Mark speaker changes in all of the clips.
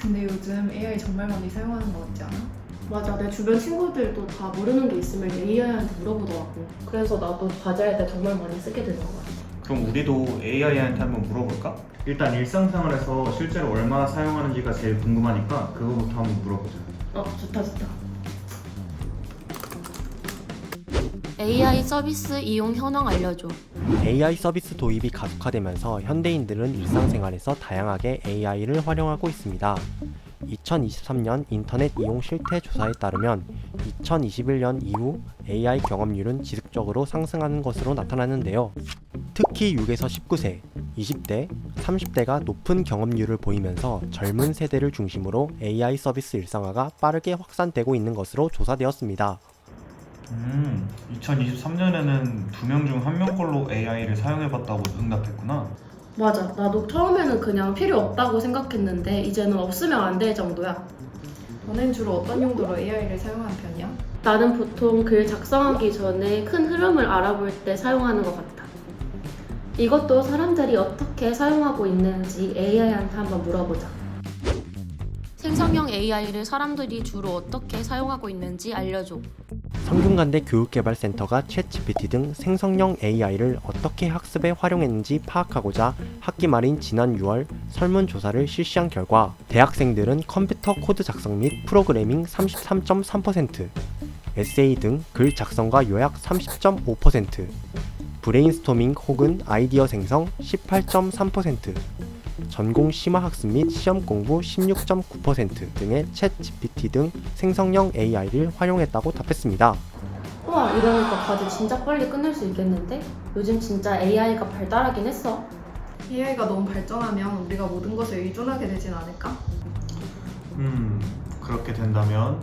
Speaker 1: 근데 요즘 AI 정말 많이 사용하는 거 같지 않아?
Speaker 2: 맞아, 내 주변 친구들도 다 모르는 게 있으면 AI한테 물어보더라고. 그래서 나도 과제할 때 정말 많이 쓰게 되는 것 같아.
Speaker 3: 그럼 우리도 AI한테 한번 물어볼까?
Speaker 4: 일단 일상생활에서 실제로 얼마나 사용하는지가 제일 궁금하니까 그거부터 한번 물어보자.
Speaker 2: 좋다.
Speaker 5: AI 서비스 이용 현황 알려줘.
Speaker 6: AI 서비스 도입이 가속화되면서 현대인들은 일상생활에서 다양하게 AI를 활용하고 있습니다. 2023년 인터넷 이용 실태 조사에 따르면 2021년 이후 AI 경험률은 지속적으로 상승하는 것으로 나타나는데요. 특히 6에서 19세, 20대, 30대가 높은 경험률을 보이면서 젊은 세대를 중심으로 AI 서비스 일상화가 빠르게 확산되고 있는 것으로 조사되었습니다.
Speaker 3: 2023년에는 2명 중 1명 걸로 AI를 사용해봤다고 응답했구나.
Speaker 2: 맞아, 나도 처음에는 그냥 필요 없다고 생각했는데 이제는 없으면 안 될 정도야.
Speaker 1: 너는 주로 어떤 용도로 AI를 사용하는 편이야?
Speaker 2: 나는 보통 글 작성하기 전에 큰 흐름을 알아볼 때 사용하는 것 같아. 이것도 사람들이 어떻게 사용하고 있는지 AI한테 한번 물어보자.
Speaker 5: 생성형 AI를 사람들이 주로 어떻게 사용하고 있는지 알려줘.
Speaker 6: 성균관대 교육개발센터가 챗GPT 등 생성형 AI를 어떻게 학습에 활용했는지 파악하고자 학기 말인 지난 6월 설문조사를 실시한 결과 대학생들은 컴퓨터 코드 작성 및 프로그래밍 33.3%, 에세이 등 글 작성과 요약 30.5%, 브레인스토밍 혹은 아이디어 생성 18.3%, 전공 심화학습 및 시험 공부 16.9% 등의 챗 GPT 등 생성형 AI를 활용했다고 답했습니다.
Speaker 2: 우와, 이러니까 과제 진짜 빨리 끝낼 수 있겠는데? 요즘 진짜 AI가 발달하긴 했어.
Speaker 1: AI가 너무 발전하면 우리가 모든 것에 의존하게 되진 않을까?
Speaker 3: 그렇게 된다면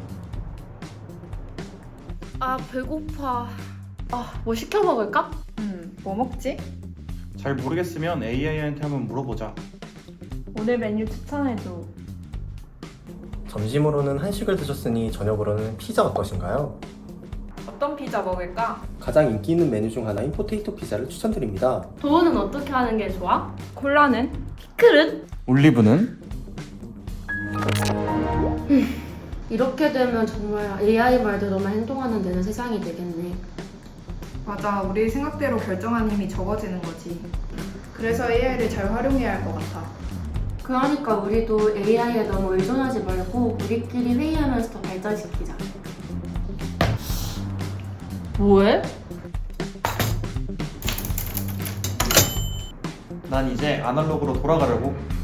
Speaker 5: 배고파.
Speaker 2: 뭐 시켜 먹을까?
Speaker 1: 뭐 먹지?
Speaker 3: 잘 모르겠으면 AI한테 한번 물어보자.
Speaker 1: 오늘 메뉴 추천해줘.
Speaker 6: 점심으로는 한식을 드셨으니 저녁으로는 피자 어떠신가요?
Speaker 1: 어떤 피자 먹을까?
Speaker 6: 가장 인기 있는 메뉴 중 하나인 포테이토 피자를 추천드립니다.
Speaker 2: 도우는 어떻게 하는 게 좋아?
Speaker 1: 콜라는?
Speaker 2: 피클은?
Speaker 3: 올리브는?
Speaker 2: 이렇게 되면 정말 AI 말대로만 행동하는 데는 세상이 되겠네.
Speaker 1: 맞아, 우리 생각대로 결정하는 힘이 적어지는 거지. 그래서 AI를 잘 활용해야 할 것 같아.
Speaker 2: 그러니까 우리도 AI에 너무 의존하지 말고 우리끼리 회의하면서 더 발전시키자. 뭐해?
Speaker 3: 난 이제 아날로그로 돌아가려고.